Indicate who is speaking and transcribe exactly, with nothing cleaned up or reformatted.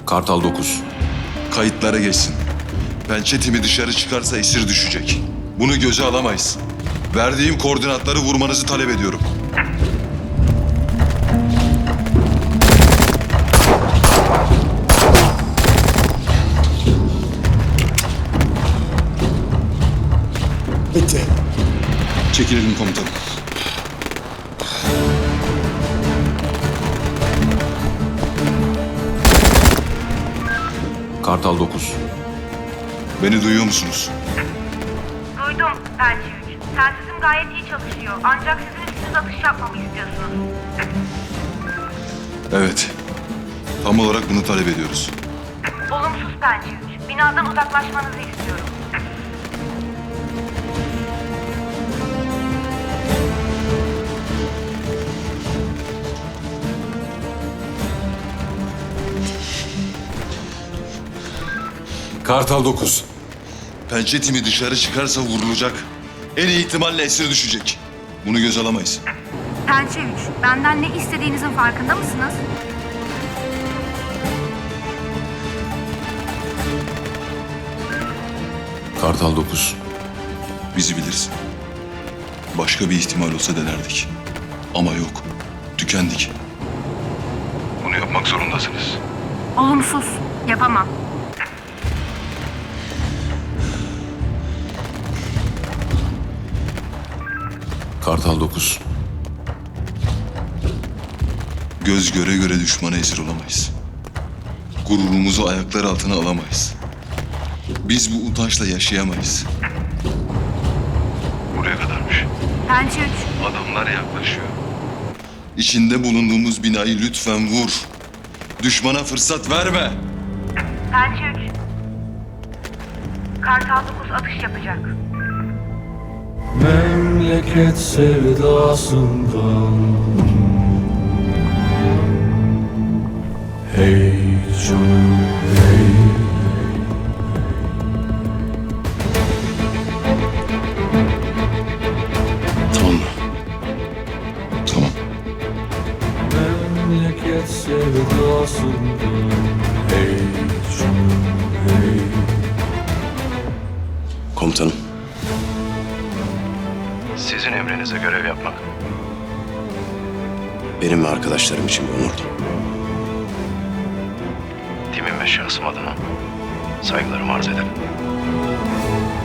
Speaker 1: Kartal dokuz.
Speaker 2: Kayıtlara geçsin. Pençe timi dışarı çıkarsa esir düşecek. Bunu göze alamayız. Verdiğim koordinatları vurmanızı talep ediyorum.
Speaker 3: Bitti.
Speaker 2: Çekilelim komutanım.
Speaker 1: Kartal dokuz.
Speaker 2: Beni duyuyor musunuz?
Speaker 4: Duydum Pençe üç. Telsizim gayet iyi çalışıyor. Ancak sizin üstünüz atış yapmamı istiyorsunuz.
Speaker 2: Evet. Tam olarak bunu talep ediyoruz.
Speaker 4: Olumsuz Pençe üç. Binadan uzaklaşmanızı istiyorum.
Speaker 1: Kartal dokuz.
Speaker 2: Pençe timi dışarı çıkarsa vurulacak. En iyi ihtimalle esir düşecek. Bunu göze alamayız.
Speaker 4: Pençe üç. Benden ne istediğinizin farkında mısınız?
Speaker 1: Kartal dokuz.
Speaker 2: Bizi bilirsin. Başka bir ihtimal olsa denerdik. Ama yok. Tükendik. Bunu yapmak zorundasınız.
Speaker 4: Olumsuz. Yapamam.
Speaker 1: Kartal dokuz.
Speaker 2: Göz göre göre düşmana esir olamayız. Gururumuzu ayaklar altına alamayız. Biz bu utançla yaşayamayız. Buraya kadarmış.
Speaker 4: Pençe üç.
Speaker 2: Adamlar yaklaşıyor. İçinde bulunduğumuz binayı lütfen vur. Düşmana fırsat verme.
Speaker 4: Pençe üç. Kartal dokuz atış yapacak.
Speaker 5: Memleket sevdasından Hey canım hey.
Speaker 2: Tamam mı? Tamam.
Speaker 5: Memleket sevdasından Hey canım hey.
Speaker 6: Komutanım.
Speaker 7: Sizin emrinize görev yapmak.
Speaker 6: Benim ve arkadaşlarım için bir onurdu.
Speaker 7: Timim ve şahsım adına saygılarımı arz ederim.